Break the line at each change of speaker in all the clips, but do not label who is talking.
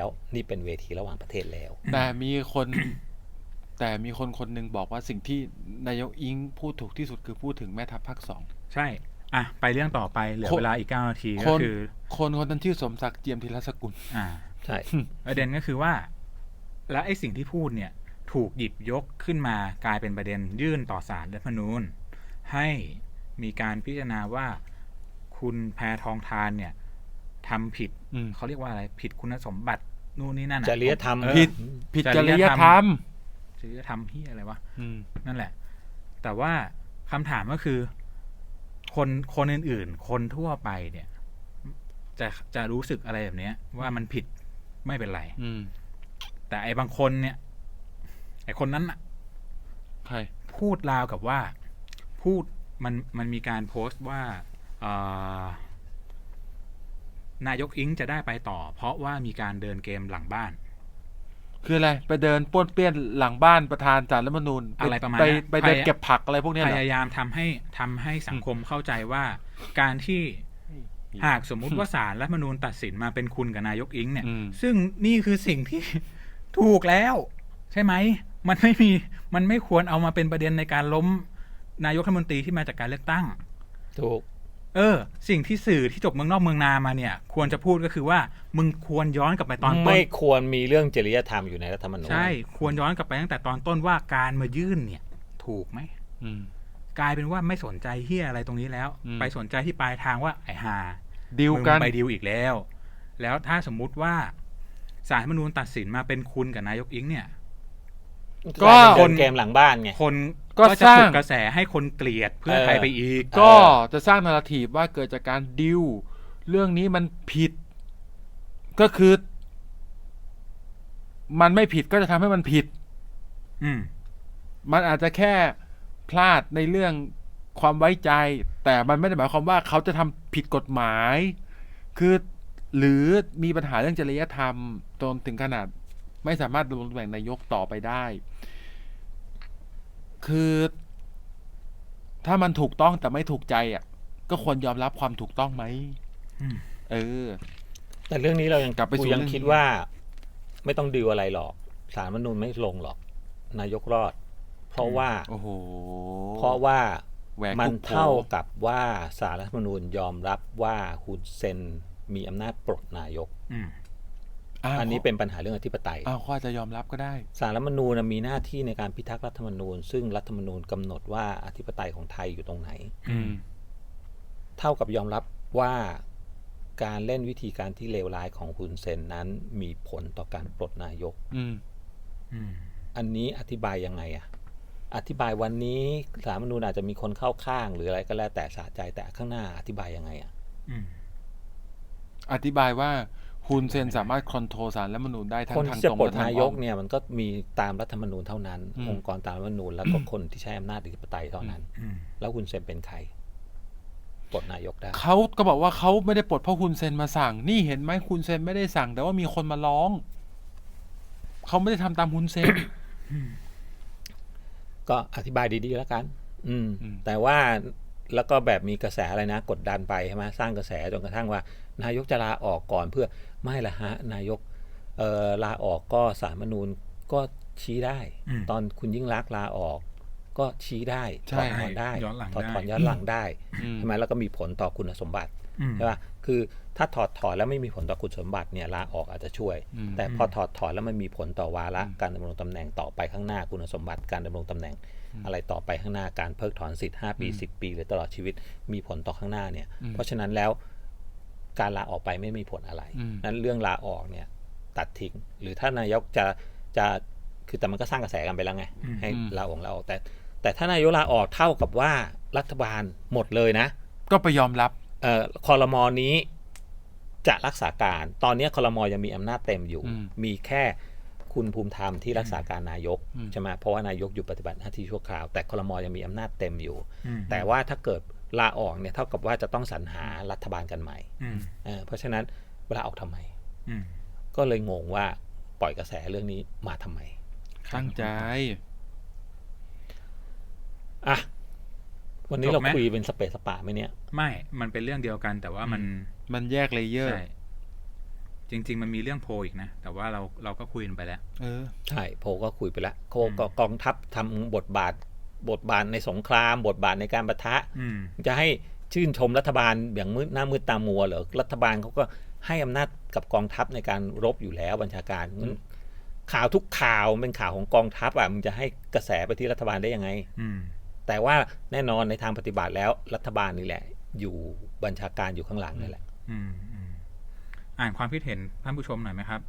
แล้วนี่เป็นเวทีระหว่างประเทศแล้ว
แต่มีคน แต่มีคนหนึ่งบอกว่าสิ่งที่นายกอิงพูดถูกที่สุดคือพูดถึงแม่ทัพภาค 2
ใช่ไปเรื่องต่อไปเหลือเวลาอีก9 นาที
ค
ก็
น
คือ
คนนั้นชื่อสมศักดิ์เจียมธีรสกุล
ใช่
ประเด็นก็คือว่าและไอ้สิ่งที่พูดเนี่ยถูกหยิบยกขึ้นมากลายเป็นประเด็นยื่นต่อศาลรัฐธรรมนูญให้มีการพิจารณาว่าคุณแพทองธารเนี่ยทำผิดเขาเรียกว่าอะไรผิดคุณสมบัตินู่นนี่นั่น
จริยธรรม
ผิดจริยธรรม
ที่อะไรวะนั่นแหละแต่ว่าคำถามก็คือคนอื่นๆคนทั่วไปเนี่ยจะรู้สึกอะไรแบบนี้ว่ามันผิดไม่เป็นไรแต่ไอ้บางคนเนี่ยไอ้คนนั้นน่ะ
ใคร
พูดราวกับว่าพูดมันมีการโพสต์ว่านายกอิงจะได้ไปต่อเพราะว่ามีการเดินเกมหลังบ้าน
คืออะไรไปเดินป้วนเปี้ยนหลังบ้านประธานศาลรัฐธรรมนูญ
อะไรประมาณ
ไปเดินเก็บผักอะไรพวกนี้
พยายามทำให้สังคมเข้าใจว่าการที่หากสมมุติว่าศาลรัฐธรรมนูญตัดสินมาเป็นคุณกับนายกอิงเนี่ยซึ่งนี่คือสิ่งที่ถูกแล้วใช่ไหมมันไม่ควรเอามาเป็นประเด็นในการล้มนายกรัฐมนตรีที่มาจากการเลือกตั้ง
ถูก
สิ่งที่สื่อที่จบเมืองนอกเมืองนามาเนี่ยควรจะพูดก็คือว่ามึงควรย้อนกลับไปตอนต้น
ไม่ควรมีเรื่องจริยธรรมอยู่ในรัฐธรรมนูญ
ใช่ควรย้อนกลับไปตั้งแต่ตอนต้นว่าการมายื่นเนี่ยถูกไหมกลายเป็นว่าไม่สนใจเหี้ยอะไรตรงนี้แล้วไปสนใจที่ปลายทางว่าไอ้ห่า
ดิวกัน
ไปดิวอีกแล้วถ้าสมมุติว่าศาลรัฐธรรมนูญตัดสินมาเป็นคุณกับนายกอิงเนี่ย
ก็คนเกมหลังบ้านไง
คนก็จะปลุกกระแสให้คนเกลียดเพื่อไทยไปอีก
ก็จะสร้างนาราทีฟว่าเกิดจากการดิวเรื่องนี้มันผิดก็คือมันไม่ผิดก็จะทำให้มันผิดมันอาจจะแค่พลาดในเรื่องความไว้ใจแต่มันไม่ได้หมายความว่าเขาจะทำผิดกฎหมายคือหรือมีปัญหาเรื่องจริยธรรมจนถึงขนาดไม่สามารถดำรงตำแหน่งนายกต่อไปได้คือถ้ามันถูกต้องแต่ไม่ถูกใจก็ควรยอมรับความถูกต้องไหม
แต่เรื่องนี้เรายัง
กลับไปสู่
ยังคิดว่าไม่ต้องดีลอะไรหรอกศาลรัฐธรรมนูญไม่ลงหรอกนายกรอดเพราะว่ามันเท่ากับว่าศาลรัฐธรรมนูญยอมรับว่าฮุนเซนมีอำนาจปลดนายกอันนี้เป็นปัญหาเรื่องอธิปไตย
เขาอาจจะยอมรับก็ได้
ศาลรัฐธรรมนูญมีหน้าที่ในการพิทักษ์รัฐธรรมนูญซึ่งรัฐธรรมนูญกำหนดว่าอธิปไตยของไทยอยู่ตรงไหนเท่ากับยอมรับว่าการเล่นวิธีการที่เลวร้ายของฮุนเซนนั้นมีผลต่อการปลดนายกอันนี้อธิบายยังไงอธิบายวันนี้ศาลรัฐธรรมนูญอาจจะมีคนเข้าข้างหรืออะไรก็แล้วแต่สะใจแต่ข้างหน้าอธิบายยังไง
อธิบายว่าฮุนเซนสามารถคอนโทรลศาลรัฐธรรมนูญได้ทั้งทาง
ตรงและทางอ้อมคนที่จะปลดนายกเนี่ยมันก็มีตามรัฐธรรมนูญเท่านั้นองค์กรตามรัฐธรรมนูญแล้วก็คนที่ใช้อำนาจอธิปไตยเท่านั้นแล้วฮุนเซนเป็นใครปลดนายกได้
เขาก็บอกว่าเขาไม่ได้ปลดเพราะฮุนเซนมาสั่งนี่เห็นไหมฮุนเซนไม่ได้สั่งแต่ว่ามีคนมาร้องเขาไม่ได้ทำตามฮุนเซน
ก็อธิบายดีๆแล้วกันแต่ว่าแล้วก็แบบมีกระแสอะไรนะกดดันไปใช่ไหมสร้างกระแสจนกระทั่งว่านายกจะลาออกก่อนเพื่อไม่ละฮะนายกลาออกก็ศาลรัฐธรรมนูญก็ชี้ได้ตอนคุณยิ่งลักษณ์ลาออกก็ชี้ได้ถอดถอนได้ถอดถอนย้อนหลังได้ใช่ไหมแล้วก็มีผลต่อคุณสมบัติใช่ป่ะคือถ้าถอดถอนแล้วไม่มีผลต่อคุณสมบัติเนี่ยลาออกอาจจะช่วยแต่พอถอดถอนแล้วมันมีผลต่อวาระการดำรงตำแหน่งต่อไปข้างหน้าคุณสมบัติการดำรงตำแหน่งอะไรต่อไปข้างหน้าการเพิกถอนสิทธิ์5 ปี10 ปีหรือตลอดชีวิตมีผลต่อข้างหน้าเนี่ยเพราะฉะนั้นแล้วการลาออกไปไม่มีผลอะไรนั้นเรื่องลาออกเนี่ยตัดทิ้งหรือถ้านายกจะคือแต่มันก็สร้างกระแสกันไปแล้วไงให้ลาออกแต่ถ้านายกลาออกเท่ากับว่ารัฐบาลหมดเลยนะ
ก็ไปยอมรับ
ครม.นี้จะรักษาการตอนนี้ครม.ยังมีอำนาจเต็มอยู่มีแค่คุณภูมิธรรมที่รักษาการนายกใช่ไหมเพราะว่านายกอยู่ปฏิบัติหน้าที่ชั่วคราวแต่ครม.ยังมีอำนาจเต็มอยู่แต่ว่าถ้าเกิดลาออกเนี่ยเท่ากับว่าจะต้องสรรหารัฐบาลกันใหม่เพราะฉะนั้นเวลาออกทำไมก็เลยงงว่าปล่อยกระแสเรื่องนี้มาทำไม
ตั้งใจ
วันนี้เราคุยเป็นสเปซสปะไหมเนี่ย
ไม่มันเป็นเรื่องเดียวกันแต่ว่ามัน
แยกเลเยอร์
จริง ๆ มันมีเรื่องโพลอีกนะ แต่ว่าเราก็คุยกันไปแล้ว
ใช่โพก็คุยไปแล้วกองทัพทำบทบาทในสงครามบทบาทในการปะทะจะให้ชื่นชมรัฐบาลอย่างหน้ามืดตามัวเหรอรัฐบาลเขาก็ให้อำนาจกับกองทัพในการรบอยู่แล้วบัญชาการข่าวทุกข่าวเป็นข่าวของกองทัพอ่ะมึงจะให้กระแสไปที่รัฐบาลได้ยังไงแต่ว่าแน่นอนในทางปฏิบัติแล้วรัฐบาลนี่แหละอยู่บัญชาการอยู่ข้างหลังนี่แหละ
อ่านความคิดเห็นท่านผู้ชมหน่อยไหมครับ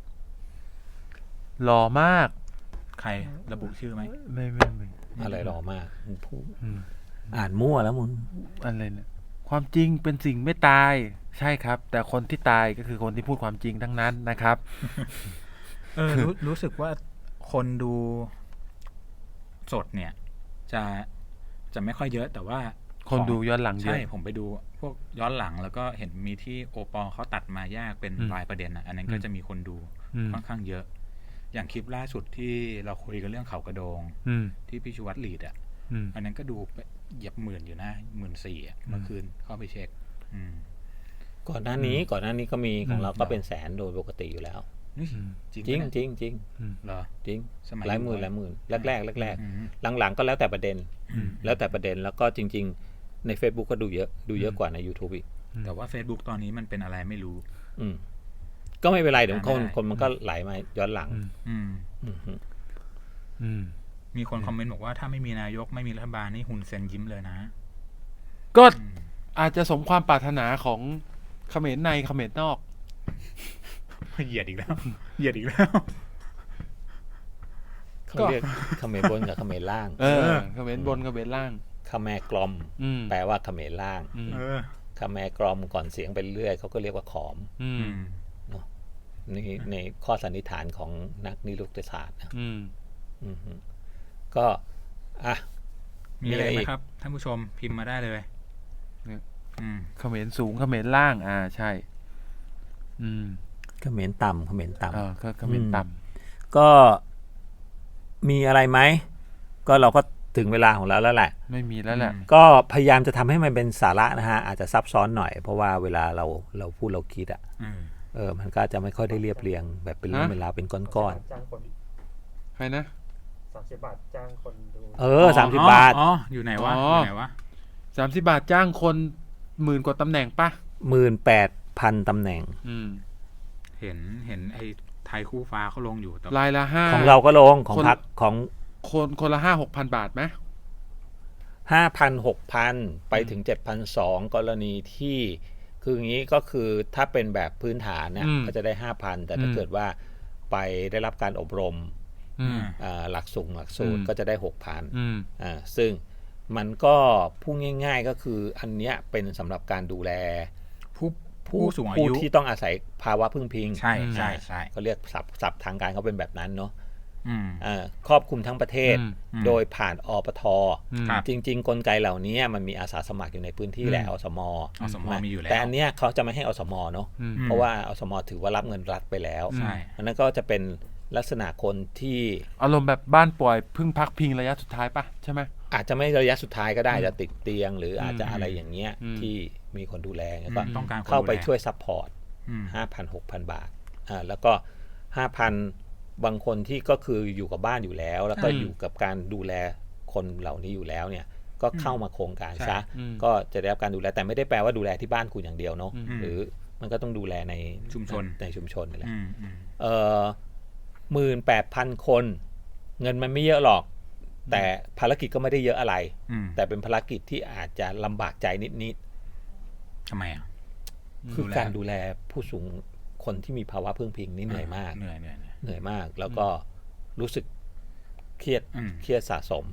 หล่อมาก
ใครระบุชื่อไหม
ไม่
อะไรหล่อมากพูดอ่านมั่วแล้วมึง
อะไรเนี่ยความจริงเป็นสิ่งไม่ตายใช่ครับแต่คนที่ตายก็คือคนที่พูดความจริงทั้งนั้นนะครับ
รู้สึกว่าคนดูสดเนี่ยจะไม่ค่อยเยอะแต่ว่า
คนดูย้อนหลังเยอะ
ใช่ผมไปดูพวกย้อนหลังแล้วก็เห็นมีที่โอปอเขาตัดมาแยกเป็นรายประเด็นอันนั้นก็จะมีคนดูค่อนข้างเยอะอย่างคลิปล่าสุดที่เราคุยกันเรื่องเขากระโดงที่พี่ชูวัฒน์ลีดอันนั้นก็ดูเหยียบ10,000อยู่นะ14,000เมื่อคืนเข้าไปเช็ค
ก่อนหน้านี้ก็มีของเราก็เป็นแสนโดยปกติอยู่แล้วจริง
เหรอ
จริงหลายหมื่นแรกหลังๆก็แล้วแต่ประเด็นแล้วก็จริงๆใน Facebook ก็ดูเยอะกว่าใน YouTube อีก
แต่ว่า Facebook ตอนนี้มันเป็นอะไรไม่รู้
ก็ไม่เป็นไรเดี๋ยวคนมันก็ไหลมาย้อนหลัง
มีคนคอมเมนต์บอกว่าถ้าไม่มีนายกไม่มีรัฐบาลนี่ฮุนเซนยิ้มเลยนะ
ก็อาจจะสมความปรารถนาของเขมรในเขมรนอก
เหยียดอีกแล้ว
เขาเรียกเขมรบนกับเขมรล่าง
เขมรบนเขมรล่าง
เขมรกลอมแปลว่าเขมรล่างเขมรกลอมก่อนเสียงไปเรื่อยเขาก็เรียกว่าขอมเนาะนี่ในข้อสันนิษฐานของนักนิรุกติศาสตร์นะก็
มีอะไรไหมครับท่านผู้ชมพิมพ์มาได้เลย
เขมรสูงเขมรล่างใช่
เขมรต่ำเขมร
ต่
ำก็มีอะไรไหมก็เราก็ถึงเวลาของเราแล้วแหละ
ไม่มีแล้วแหละ
ก็พยายามจะทำให้มันเป็นสาระนะฮะอาจจะซับซ้อนหน่อยเพราะว่าเวลาเราพูดเราคิดมันก็จะไม่ค่อยได้เรียบเรียงแบบเป็นเรื่องเวลาเป็นก้อน
ๆใครนะ
30 บาทจ้างคนดู
30 บาท
อยู่ไหนวะ
30 บาทจ้างคน10,000 กว่าตำแหน่งป่ะ
18,000 ตำแหน่ง
เห็นไอ้ไทยคู่ฟ้าเขาลงอยู่
รายละ5
ของเราก็ลงของพรรคของ
คนละ 5-6,000 บาทไหม
5,000-6,000 ไปถึง 7,200 กรณีที่คืออย่างนี้ก็คือถ้าเป็นแบบพื้นฐานเนี่ยก็จะได้ 5,000 แต่ถ้าเกิดว่าไปได้รับการอบรมหลักสูตรก็จะได้ 6,000 ซึ่งมันก็พูดง่ายๆก็คืออันเนี้ยเป็นสำหรับการดูแล
ผู้สูงอายุ
ที่ต้องอาศัยภาวะพึ่งพิง
ใช่
เขาเรียกศัพท์ทางการเขาเป็นแบบนั้นเนาะครอบคลุมทั้งประเทศโดยผ่านอปท.จริงๆกลไกเหล่านี้มันมีอาสาสมัครอยู่ในพื้นที่แหละอสม.
มีอยู่แล้ว
แต่อันเนี้ยเขาจะไม่ให้อสม.เนาะเพราะว่าอสม.ถือว่ารับเงินรัฐไปแล้วอันนั้นก็จะเป็นลักษณะคนที่
อารมณ์แบบบ้านป่วยพึ่งพักพิงระยะสุดท้ายปะใช่ไหม
อาจจะไม่ระยะสุดท้ายก็ได้จะติดเตียงหรืออาจจะอะไรอย่างเงี้ยที่มีคนดูแลแล้วก็เข้าไปช่วยซัพพอร์ต 5,000-6,000 บาทแล้วก็ 5,000 บางคนที่ก็คืออยู่กับบ้านอยู่แล้วแล้วก็อยู่กับการดูแลคนเหล่านี้อยู่แล้วเนี่ยก็เข้ามาโครงการซะก็จะได้รับการดูแลแต่ไม่ได้แปลว่าดูแลที่บ้านคุณอย่างเดียวเนาะหรือมันก็ต้องดูแลในชุมชนนี่แหละ18,000 คนเงินมันไม่เยอะหรอกแต่ภารกิจก็ไม่ได้เยอะอะไรแต่เป็นภารกิจที่อาจจะลำบากใจนิด
ทำไม
คือการดูแลผู้สูงคนที่มีภาวะพึ่งพิงนี่เหนื่อยมากเหนื่อยมากแล้วก็รู้สึกเครียดสะสม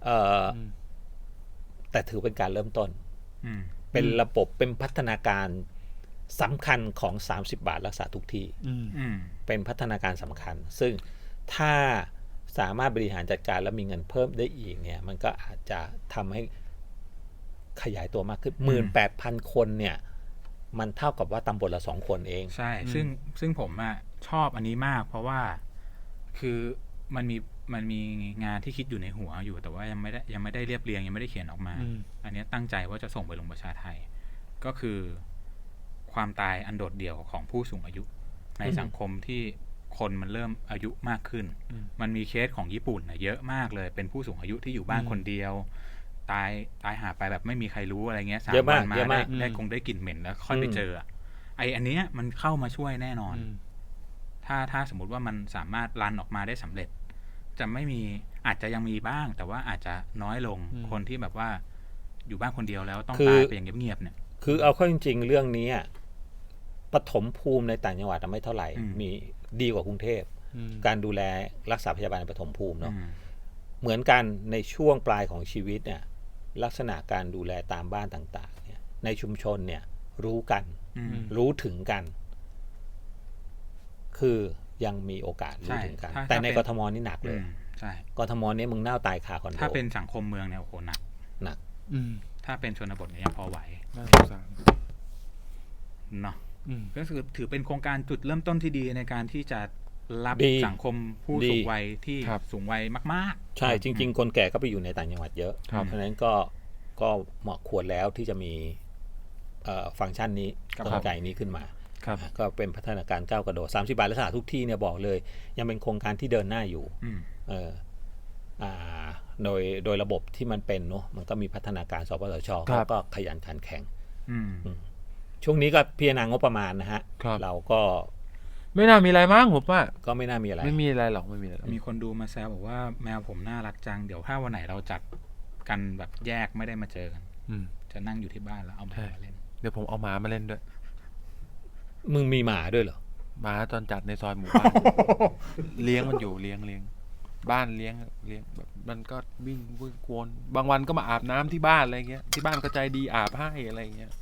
แต่ถือเป็นการเริ่มต้นเป็นระบบเป็นพัฒนาการสำคัญของ30 บาทรักษาทุกที่เป็นพัฒนาการสำคัญซึ่งถ้าสามารถบริหารจัดการแล้วมีเงินเพิ่มได้อีกเนี่ยมันก็อาจจะทำให้ขยายตัวมากขึ้น 18,000 คนเนี่ยมันเท่ากับว่าตำบลละ2 คนเอง
ใช่ซึ่งผมชอบอันนี้มากเพราะว่าคือมันมีงานที่คิดอยู่ในหัวอยู่แต่ว่ายังไม่ได้เรียบเรียงยังไม่ได้เขียนออกมาอันนี้ตั้งใจว่าจะส่งไปลงประชาไทยก็คือความตายอันโดดเดี่ยวของผู้สูงอายุในสังคมที่คนมันเริ่มอายุมากขึ้น มันมีเคสของญี่ปุ่นเยอะมากเลยเป็นผู้สูงอายุที่อยู่บ้านคนเดียว ตายหาไปแบบไม่มีใครรู้อะไรเงี้ย3 วันมาได้ได้กลิ่นเหม็นแล้วค่อยไปเจออันเนี้ยมันเข้ามาช่วยแน่นอน ถ้าสมมุติว่ามันสามารถรันออกมาได้สำเร็จ จะไม่มีอาจจะยังมีบ้าง แต่ว่าอาจจะน้อยลงคนที่แบบว่าอยู่บ้านคนเดียวแล้วต้องตายไปอย่างเงียบๆเนี่ย
คือเอาเข้าจริงๆเรื่องนี้ปฐมภูมิในต่างจังหวัดไม่เท่าไหร่มีดีกว่ากรุงเทพการดูแลรักษาพยาบาลในปฐมภูมิเนาะเหมือนกันในช่วงปลายของชีวิตเนี่ยลักษณะการดูแลตามบ้านต่างๆเนี่ยในชุมชนเนี่ยรู้กันรู้ถึงกันคือยังมีโอกาสรู้ถึงกันแต่ในกทมนี่หนักเลย
ใช่
กทมนี่มึงเน่าตายคาคอนโด
ถ้าเป็นสังคมเมืองเนี่ยโอ้โหหนักถ้าเป็นชนบทเนี่ยยังพอไหวเนาะก็คือถือเป็นโครงการจุดเริ่มต้นที่ดีในการที่จะรับสังคมผู้สูงวัยที่สูงวัยมาก
ๆใช่จริงๆคนแก่ก็ไปอยู่ในต่างจังหวัดเยอะเพราะฉะนั้นก็เหมาะควรแล้วที่จะมีฟังก์ชันนี้กลไกนี้ขึ้นมาก็เป็นพัฒนาการก้าวกระโดด30 บาทรักษาทุกที่เนี่ยบอกเลยยังเป็นโครงการที่เดินหน้าอยู่โดยระบบที่มันเป็นเนาะมันก็มีพัฒนาการสปสช.ก็ขยันขันแข็งช่วงนี้ก็พิจารณางบประมาณนะฮะเราก็
ไม่น่ามีอะไรมั้งผมว่า
ก็ไม่น่ามีอะไร
ไม่มีอะไรหรอกไม่มีอะไร
มีคนดูมาแซวบอกว่าแมวผมน่ารักจังเดี๋ยวถ้าวันไหนเราจัดกันแบบแยกไม่ได้มาเจอกันจะนั่งอยู่ที่บ้านแล้วเอาหมามาเล่น
เดี๋ยวผมเอาหมามาเล่นด้วย
มึงมีหมาด้วยเหรอ
หมาจรจัดในซอยหมู่บ้าน เลี้ยงมันอยู่เลี้ยงบ้านเลี้ยงแบบมันก็วิ่งกวนบางวันก็มาอาบน้ำที่บ้านอะไรเงี้ยที่บ้านก็ใจดีอาบให้อะไรเงี้ย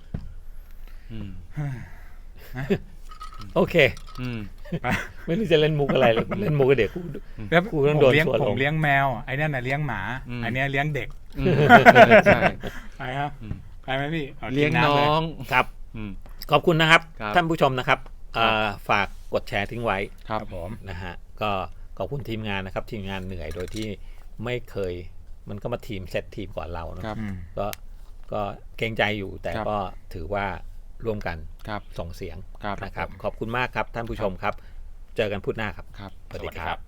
โอเคไม่รู้จะเล่นมุกอะไรเลยเล่นมุกกับเด็กกูต้องโดนชวนลง
ผมเลี้ยงแมวไอ้นั่นน่ะเลี้ยงหมาอันนี้เลี้ยงเด็ก
ใช่
ไปครับไปไหมพี่
เลี้ยงน้อง
ครับขอบคุณนะครับท่านผู้ชมนะครับฝากกดแชร์ทิ้งไว้
ครับผม
นะฮะก็ขอบคุณทีมงานนะครับทีมงานเหนื่อยโดยที่ไม่เคยมันก็มาทีมเซตทีมก่อนเราเนาะก็เกรงใจอยู่แต่ก็ถือว่าร่วมกันส่งเสียงนะครับขอบคุณมากครับท่านผู้ชมครับเจอกันพุธหน้าครับ
ส
วัสดีครับ